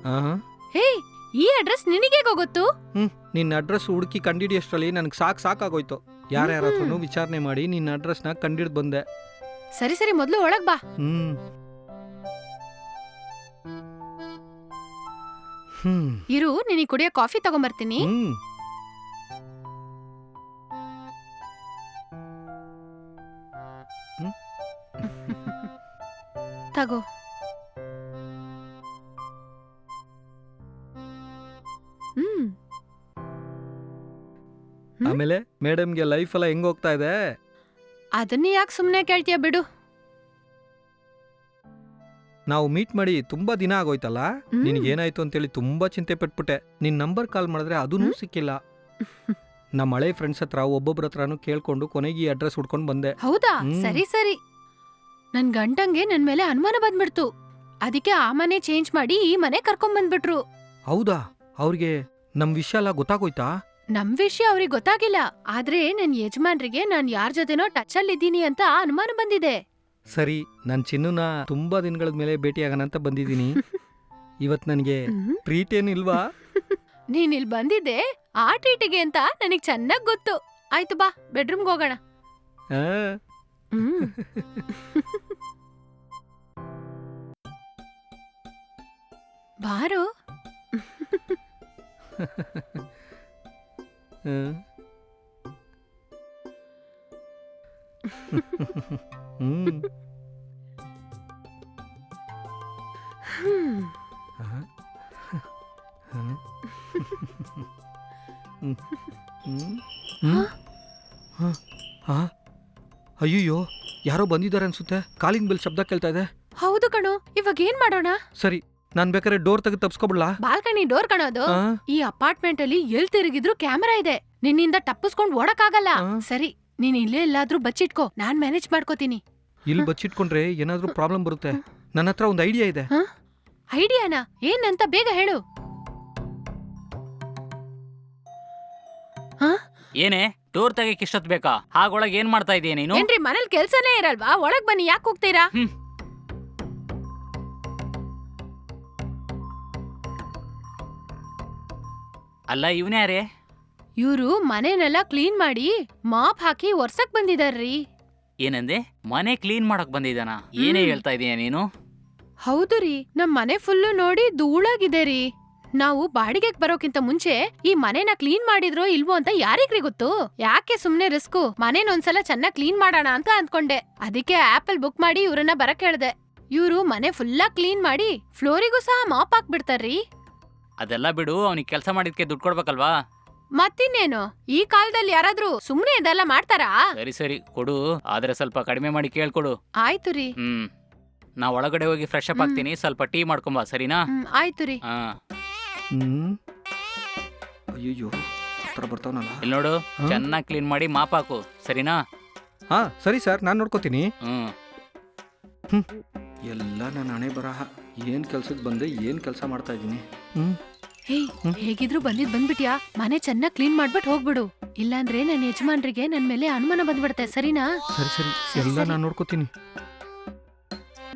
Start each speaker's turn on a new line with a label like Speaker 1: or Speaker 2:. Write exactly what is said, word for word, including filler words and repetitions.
Speaker 1: ಆಹಾ.
Speaker 2: ಹೇ, ಈ ಅಡ್ರೆಸ್ ನಿನಗೆ ಗೊತ್ತು?
Speaker 1: ಹ್ಮ್ ನಿನ್ನ ಅಡ್ರೆಸ್ ಹುಡುಕಿ ಕಂಡಿಡಿಯಷ್ಟರಲ್ಲಿ ನನಗೆ ಸಾಕು ಸಾಕಾಗೋಯ್ತು. ಯಾರ್ಯಾರ ಹತ್ರನೂ ವಿಚಾರಣೆ ಮಾಡಿ ನಿನ್ನ ಅಡ್ರೆಸ್ನ ಕಂಡಿಡ್ದು ಬಂದೆ.
Speaker 2: ಸರಿ ಸರಿ, ಮೊದ್ಲು ಒಳಗ್ ಬಾ.
Speaker 1: ಹ್ಮ್ ಹ್ಮ್
Speaker 2: ಇರು, ನಿನಗೆ ಕುಡಿಯೋ ಕಾಫಿ ತಗೊಂಬರ್ತೀನಿ.
Speaker 1: ಹ್ಮ್
Speaker 2: ತಗೋ. ಹ್ಮ್
Speaker 1: ಆಮೇಲೆ ಮೇಡಮ್ಗೆ ಲೈಫ್ ಎಲ್ಲ ಹೆಂಗ್ ಹೋಗ್ತಾ ಇದೆ?
Speaker 2: ಅದನ್ನ ಯಾಕೆ ಸುಮ್ನೆ ಕೇಳ್ತೀಯ ಬಿಡು.
Speaker 1: ನಾವು ಮೀಟ್ ಮಾಡಿ ತುಂಬಾ ದಿನ ಆಗೋಯ್ತಲ್ಲ.
Speaker 2: ಹ್ಮ್.
Speaker 1: ನಿನಗೇನಾಯ್ತು ಅಂತೇಳಿ ತುಂಬಾ ಚಿಂತೆ ಪಟ್ಬಿಟ್ಟೆ. ನಿನ್ ನಂಬರ್ ಕಾಲ್ ಮಾಡಿದ್ರೆ ಅದೂ
Speaker 2: ಹ್ಮ್.
Speaker 1: ಸಿಕ್ಕಿಲ್ಲ. ನಮ್ಮ ಹಳೆ ಫ್ರೆಂಡ್ಸ್ ಹತ್ರ ಒಬ್ಬೊಬ್ರ ಹತ್ರನೂ ಕೇಳ್ಕೊಂಡು ಕೊನೆಗೆ ಈ ಅಡ್ರೆಸ್ ಹುಡ್ಕೊಂಡು ಬಂದೆ.
Speaker 2: ಹೌದಾ?
Speaker 1: ಹ್ಮ್.
Speaker 2: ಸರಿ ಸರಿ. ನನ್ ಗಂಟಂಗೆ ನನ್ ಮೇಲೆ ಅನುಮಾನ ಬಂದ್ಬಿಡ್ತು. ಅದಕ್ಕೆ ಆ ಮನೆ ಚೇಂಜ್ ಮಾಡಿ ಈ ಮನೆ ಕರ್ಕೊಂಡ್ ಬಂದ್ಬಿಟ್ರು.
Speaker 1: ಹೌದಾ? ಅವ್ರಿಗೆ ನಮ್ ವಿಷಯ ಎಲ್ಲ ಗೊತ್ತಾಗೋಯ್ತಾ?
Speaker 2: ನಮ್ ವಿಷಯ ಅವ್ರಿಗೆ ಗೊತ್ತಾಗಿಲ್ಲ. ಆದ್ರೆ ನನ್ ಯಜಮಾನ್ರಿಗೆ ನಾನ್ ಯಾರ್ ಜೊತೆನೋ ಟಚ್ ಅಲ್ಲಿ ಇದ್ದೀನಿ ಅಂತ ಅನುಮಾನ ಬಂದಿದೆ.
Speaker 1: ಸರಿ, ನನ್ ಚಿನ್ನುನ ತುಂಬಾ ದಿನಗಳ ಮೇಲೆ ಭೇಟಿಯಾಗೋಣ ಅಂತ ಬಂದಿದ್ದೀನಿ. ಇವತ್ ನನಗೆ
Speaker 2: ಹ್ಮ್.
Speaker 1: ಟ್ರೀಟ್ ಏನಿಲ್ವಾ?
Speaker 2: ನೀನ್ ಇಲ್ಲಿ ಬಂದಿದ್ದೆ ಆ ಟ್ರೀಟಿಗೆ ಅಂತ ನನಗ್ ಚೆನ್ನಾಗ್ ಗೊತ್ತು. ಆಯ್ತು ಬಾ, ಬೆಡ್ರೂಮ್ಗೆ ಹೋಗೋಣ.
Speaker 1: ಆ,
Speaker 2: ಹ್ಮ್ ಬಾರು.
Speaker 1: ಆ. ಹ್ಮ್
Speaker 2: ಹ್ಮ್.
Speaker 1: ಆ. ಆ. ಹ್ಮ್. ಹ್ಮ್. ಹ್ಮ್. ಹ. ಆ. ಅಯ್ಯಯ್ಯೋ, ಯಾರೋ ಬಂದಿದ್ದಾರೆ ಅನ್ಸುತ್ತೆ. ಕಾಲಿಂಗ್ ಬೆಲ್ ಶಬ್ದ ಕೇಳ್ತಾ ಇದೆ.
Speaker 2: ಹೌದು ಕಣೋ, ಇವಾಗ ಏನ್ ಮಾಡೋಣ?
Speaker 1: ಸರಿ, ನಾನ್ ಬೇಕಾದ್ರೆ ಡೋರ್ ತೆಗೆದು ತಪ್ಸ್ಕೊಬಿಡ್ಲಾ?
Speaker 2: Balcony door ಕಣೋದು.
Speaker 1: ಆ?
Speaker 2: ಈ ಅಪಾರ್ಟ್ಮೆಂಟ್ ಅಲ್ಲಿ ಎಲ್ ತಿರುಗಿದ್ರು ಕ್ಯಾಮೆರಾ ಇದೆ. ನಿನ್ನಿಂದ ತಪ್ಪಿಸ್ಕೊಂಡ್ ಓಡಕ್ಕಾಗಲ್ಲ.
Speaker 1: ಆ?
Speaker 2: ಸರಿ, ನೀನ್ ಇಲ್ಲೇ ಎಲ್ಲಾದ್ರೂ ಬಚ್ಚಿಟ್ಕೋ, ನಾನ್ ಮ್ಯಾನೇಜ್ ಮಾಡ್ಕೋತೀನಿ.
Speaker 1: ಇಲ್ಲಿ ಬಚ್ಚಿಟ್ಕೊಂಡ್ರೆ ಏನಾದ್ರೂ ಪ್ರಾಬ್ಲಮ್ ಬರುತ್ತೆ. ನನ್ನ ಹತ್ರ ಒಂದು ಐಡಿಯಾ ಇದೆ.
Speaker 2: ಐಡಿಯಾನಾ? ಏನಂತ ಬೇಗ ಹೇಳು.
Speaker 3: ಏನೇ ಟೂರ್ ತೆಗಕ್ ಇಷ್ಟೊತ್ ಬೇಕಾ? ಹಾಗೊಳಗ್ ಏನ್ ಮಾಡ್ತಾ ಇದೀಯ ನೀನು?
Speaker 2: ಏನ್ರಿ ಮನೇಲಿ ಕೆಲ್ಸನೇ ಇರಲ್ವಾ? ಒಳಗ್ ಬನ್ನಿ, ಯಾಕೆ ಹೋಗ್ತೀರಾ?
Speaker 3: ಹ್ಮ್. ಅಲ್ಲ ಇವ್ನ್ಯಾರೇ?
Speaker 2: ಇವ್ರು ಮನೆನೆಲ್ಲ ಕ್ಲೀನ್ ಮಾಡಿ ಮಾಪ್ ಹಾಕಿ ಒರ್ಸಕ್ ಬಂದಿದಾರ್ರಿ.
Speaker 3: ಏನಂದೆ? ಮನೆ ಕ್ಲೀನ್ ಮಾಡಕ್ ಬಂದಿದ್ದಾನ? ಏನೇ
Speaker 2: ಹ್ಮ್.
Speaker 3: ಹೇಳ್ತಾ ಇದೀಯ ನೀನು?
Speaker 2: ಹೌದು ರೀ, ನಮ್ ಮನೆ ಫುಲ್ಲು ನೋಡಿ ಧೂಳಾಗಿದೆ ರೀ. ನಾವು ಬಾಡಿಗೆಗ್ ಬರೋಕ್ಕಿಂತ ಮುಂಚೆ ಈ ಮನೆನ ಕ್ಲೀನ್ ಮಾಡಿದ್ರೋ ಇಲ್ವೋ ಅಂತ ಯಾರಿಗ್ರಿ ಗೊತ್ತು? ಯಾಕೆ ಸುಮ್ನೆ ರಿಸ್ಕು? ಮನೇನೊಂದ್ಸಲ ಚೆನ್ನಾಗ್ ಕ್ಲೀನ್ ಮಾಡೋಣ ಅಂತ ಅಂದ್ಕೊಂಡೆ. ಅದಕ್ಕೆ ಆಪಲ್ ಬುಕ್ ಮಾಡಿ ಇವ್ರನ್ನ ಬರಕ್ ಹೇಳ್ದೆ. ಇವ್ರು ಮನೆ ಫುಲ್ಲಾ ಕ್ಲೀನ್ ಮಾಡಿ ಫ್ಲೋರಿಗೂ ಸಹ ಮಾಪ್ ಹಾಕ್ಬಿಡ್ತಾರ್ರಿ.
Speaker 3: ಅದೆಲ್ಲ ಬಿಡು, ಅವ್ನಿಗೆ ಕೆಲಸ ಮಾಡಿದ್ಕೆ ದುಡ್ಡು ಕೊಡ್ಬೇಕಲ್ವಾ?
Speaker 2: ಮತ್ತಿನ್ನೇನು, ಈ ಕಾಲದಲ್ಲಿ ಯಾರಾದ್ರೂ ಸುಮ್ನೆ ಇದೆಲ್ಲ ಮಾಡ್ತಾರಾ?
Speaker 3: ಸರಿ ಸರಿ ಕೊಡು, ಆದ್ರೆ ಸ್ವಲ್ಪ ಕಡಿಮೆ ಮಾಡಿ ಕೇಳ್ಕೊಡು.
Speaker 2: ಆಯ್ತು ರೀ.
Speaker 3: ಹ್ಮ್ ನಾ ಒಳಗಡೆ ಹೋಗಿ ಫ್ರೆಶ್ ಅಪ್
Speaker 2: ಹ್ಮ್.
Speaker 3: ಆಗ್ತೀನಿ, ಸ್ವಲ್ಪ ಟೀ ಮಾಡ್ಕೊಂಬಾ, ಸರಿನಾ?
Speaker 2: ಹ್ಮ್, ಆಯ್ತು ರೀ.
Speaker 3: ಹಾ.
Speaker 1: ಹ್ಮ್. ಅಯ್ಯಯ್ಯೋ, ಹತ್ರ ಬರ್ತಾವನಲ್ಲ.
Speaker 3: ಇಲ್ಲಿ ನೋಡು,
Speaker 1: ಹಾ?
Speaker 3: ಚೆನ್ನಾಗಿ ಕ್ಲೀನ್ ಮಾಡಿ ಮಾಪ್ ಹಾಕು, ಸರಿನಾ?
Speaker 1: ಹಾ ಸರಿ ಸರ್, ನಾನು ನೋಡ್ಕೋತೀನಿ.
Speaker 3: ಹ್ಮ್
Speaker 1: ಎಲ್ಲ ನನ್ನ ಹಣೆ ಬರಹ. ಏನ್ ಕೆಲ್ಸಕ್ಕೆ ಬಂದೆ, ಏನ್ ಕೆಲಸ ಮಾಡ್ತಾ ಇದ್ದೀನಿ. ಹ್ಮ್
Speaker 2: ಹೇ,
Speaker 1: ಹ್ಮ್.
Speaker 2: ಹೇಗಿದ್ರು ಬಂದಿದ್ ಬಂದ್ಬಿಟ್ಯಾ? ಮನೆ ಚೆನ್ನಾಗ್ ಕ್ಲೀನ್ ಮಾಡ್ಬಿಟ್ ಹೋಗ್ಬಿಡು. ಇಲ್ಲಾಂದ್ರೆ ನನ್ ಯಜಮಾನ್ರಿಗೆ ನನ್ ಮೇಲೆ ಅನುಮಾನ ಬಂದ್ಬಿಡುತ್ತೆ, ಸರಿನಾ?
Speaker 1: ಸರಿ ಸರಿ,
Speaker 2: ಸರಿ,
Speaker 1: ಎಲ್ಲ
Speaker 2: ಸರಿ.
Speaker 1: ನಾನು ನೋಡ್ಕೋತೀನಿ.